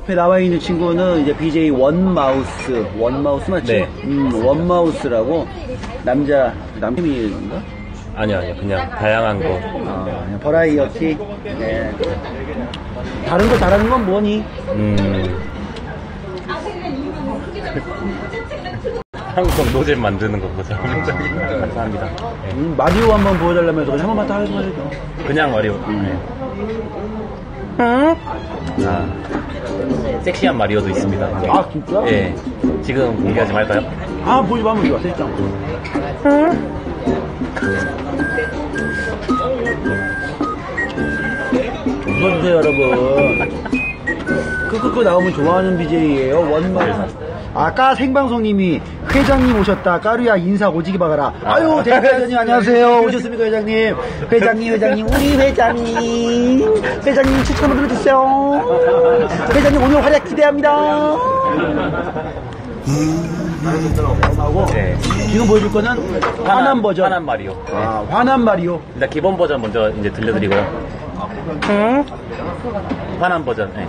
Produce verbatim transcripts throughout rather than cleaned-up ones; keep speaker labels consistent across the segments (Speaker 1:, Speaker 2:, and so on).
Speaker 1: 옆에 나와 있는 친구는 이제 비제이 원마우스, 원마우스 맞죠?
Speaker 2: 네.
Speaker 1: 음, 원마우스라고 남자 남팀인가?
Speaker 2: 아니요, 아니요. 그냥 다양한 거.
Speaker 1: 아, 그냥 버라이어티. 네. 다른 거 잘하는 건 뭐니?
Speaker 2: 음. 한국 노잼 만드는 거 보자. 감사합니다. 네.
Speaker 1: 음, 마리오 한번 보여달라면서 한 번만 딱 해줘야죠.
Speaker 2: 그냥 마리오.
Speaker 1: 음.
Speaker 2: 네. 아, 섹시한 마리오도 있습니다. 네.
Speaker 1: 아, 진짜?
Speaker 2: 예. 지금 공개하지 말까요?
Speaker 1: 아, 보지 마, 보지 마. 됐죠. 웃어주세요, 여러분. 끄끄끄 나오면 좋아하는 비제이예요. 원마. 아까 생방송님이 회장님 오셨다. 까루야 인사 오지기 박아라. 아유, 대표 회장님 안녕하세요. 오셨습니까, 회장님? 회장님, 회장님, 우리 회장님. 회장님 추천 한번 눌러주세요. 회장님 오늘 활약 기대합니다.
Speaker 2: 네.
Speaker 1: 지금 보여줄 거는 화난, 화난 버전.
Speaker 2: 화난 마리오. 네.
Speaker 1: 아, 화난 마리오.
Speaker 2: 일단 기본 버전 먼저 이제 들려드리고요. 응? 화난 버전. 네.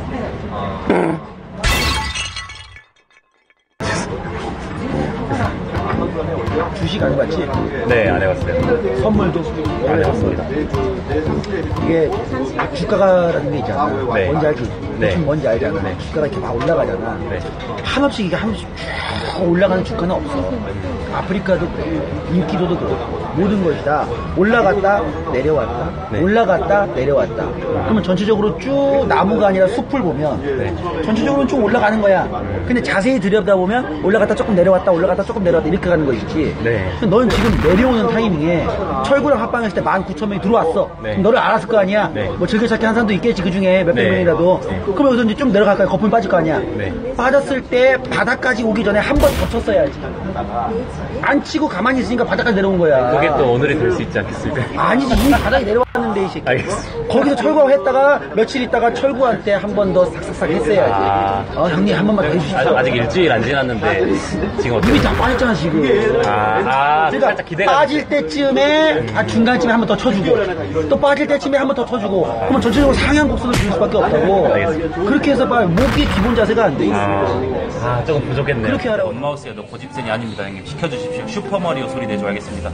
Speaker 1: 주식 안 해봤지?
Speaker 2: 네, 안 해봤어요.
Speaker 1: 선물도
Speaker 2: 안 해봤습니다.
Speaker 1: 이게 주가라는 게 있잖아.
Speaker 2: 네.
Speaker 1: 뭔지 알지?
Speaker 2: 네.
Speaker 1: 대충 뭔지 알잖아.
Speaker 2: 네.
Speaker 1: 주가가 이렇게 막 올라가잖아.
Speaker 2: 네.
Speaker 1: 한없이 이게 한없이 쭉 올라가는 주가는 없어. 아프리카도 그렇고, 인기도도 그렇고, 모든 것이 다 올라갔다, 내려왔다,
Speaker 2: 네.
Speaker 1: 올라갔다, 내려왔다. 그러면 전체적으로 쭉 나무가 아니라 숲을 보면,
Speaker 2: 네.
Speaker 1: 전체적으로는 쭉 올라가는 거야. 근데 자세히 들여다보면, 올라갔다 조금 내려왔다, 올라갔다 조금 내려왔다, 이렇게 가는 거 있지.
Speaker 2: 네.
Speaker 1: 넌 지금 내려오는 타이밍에 철구랑 합방했을 때 만 구천 명이 들어왔어.
Speaker 2: 네.
Speaker 1: 그럼 너를 알았을 거 아니야?
Speaker 2: 네.
Speaker 1: 뭐 즐겨찾기 한 사람도 있겠지, 그 중에 몇백
Speaker 2: 네.
Speaker 1: 명이라도.
Speaker 2: 네.
Speaker 1: 그럼 여기서 이제 좀 내려갈 거야. 거품이 빠질 거 아니야?
Speaker 2: 네.
Speaker 1: 빠졌을 때 바닥까지 오기 전에 한 번 더 쳤어야지. 안 치고 가만히 있으니까 바닥까지 내려온 거야.
Speaker 2: 그게 또 오늘이 될 수 있지 않겠습니까?
Speaker 1: 아니지, 이미 바닥에 내려왔는데, 이 새끼.
Speaker 2: 알겠습니다.
Speaker 1: 거기서 철구하고 했다가 며칠 있다가 철구한테 한 번 더 싹싹싹 했어야지.
Speaker 2: 아.
Speaker 1: 어, 형님 한 번만 더 해주십시오.
Speaker 2: 아직, 아직 일주일 안 지났는데 지금 어떻게?
Speaker 1: 이미 다 빠졌잖아, 지금.
Speaker 2: 아, 아
Speaker 1: 그러니까
Speaker 2: 살짝 기대가.
Speaker 1: 빠질 때쯤에 아, 중간쯤에 한 번 더 쳐주고 또 빠질 때쯤에 한 번 더 쳐주고 그러면 전체적으로 상향 곡선을 줄 수밖에 없다고.
Speaker 2: 알겠습니다.
Speaker 1: 그렇게 해서 봐 목이 기본 자세가 안 돼 있어.
Speaker 2: 아, 아, 조금 부족했네요.
Speaker 1: 그렇게 하라고.
Speaker 2: 원마우스에도 고집센이 아닙니다, 형님. 시켜주십시오. 슈퍼마리오 소리 내줘야겠습니다.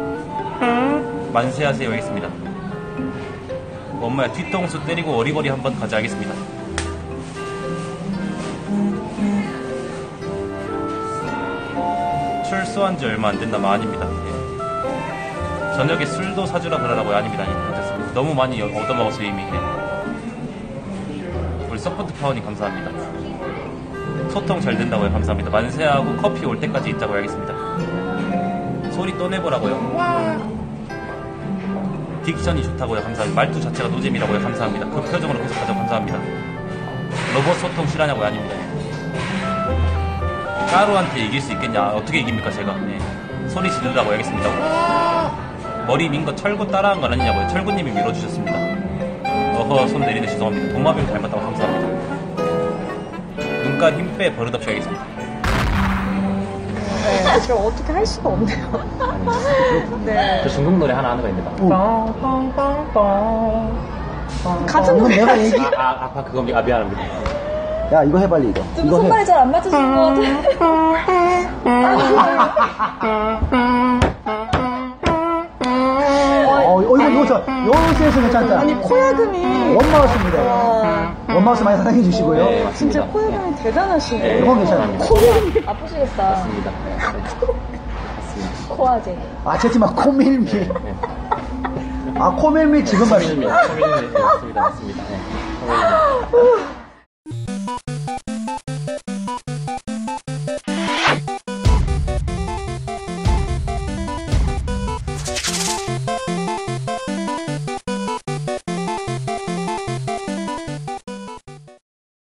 Speaker 2: 만세하세요, 하겠습니다. 엄마야, 뒤통수 때리고 어리버리 한번 가자, 하겠습니다. 출소한 지 얼마 안 된다면 아닙니다. 예. 저녁에 술도 사주라 그러라고요? 아닙니다. 괜찮습니다. 너무 많이 얻어먹었어요, 이미. 예. 우리 서포트 파워님 감사합니다. 소통 잘 된다고요? 감사합니다. 만세하고 커피 올 때까지 있자고 하겠습니다. 소리 또 내보라고요? 딕션이 좋다고요? 감사합니다. 말투 자체가 노잼이라고요? 감사합니다. 그 표정으로 계속 가자고 감사합니다. 로봇 소통 실하냐고요? 아닙니다. 까루한테 이길 수 있겠냐? 어떻게 이깁니까 제가? 네. 소리 지르라고 하겠습니다. 머리 민 거 철구 따라한 건 아니냐고요? 철구님이 밀어주셨습니다. 어허, 손 내리네. 죄송합니다. 동마뱀 닮았다고 감사합니다. 눈깔 힘 빼 버릇없이 하겠습니다.
Speaker 3: 네, 저 어떻게 할 수가 없네요. 네.
Speaker 2: 저 중국 노래 하나 하는 거 있습니다.
Speaker 3: 같은 노래
Speaker 1: 내가 얘기
Speaker 2: 아, 아, 아파 그겁니다. 아, 미안합니다.
Speaker 1: 야 이거 해 빨리 이거
Speaker 3: 좀
Speaker 1: 이거
Speaker 3: 손발이
Speaker 1: 해.
Speaker 3: 잘 안 맞으신 것
Speaker 1: 어, 이거 이거 저 요새에서 괜찮다.
Speaker 3: 아니 코야금이
Speaker 1: 원마우스입니다.
Speaker 3: 와,
Speaker 1: 원마우스 많이 사랑해 주시고요.
Speaker 2: 네.
Speaker 3: 진짜 코야금이 대단하시네.
Speaker 1: 이건 괜찮아.
Speaker 3: 코야금이 아프시겠다.
Speaker 2: 맞습니다.
Speaker 3: 코아제.
Speaker 1: 아 채지마 코밀미. 아 코밀미 지금 말이야.
Speaker 2: 맞습니다. 맞습니다. 맞습니다. 네.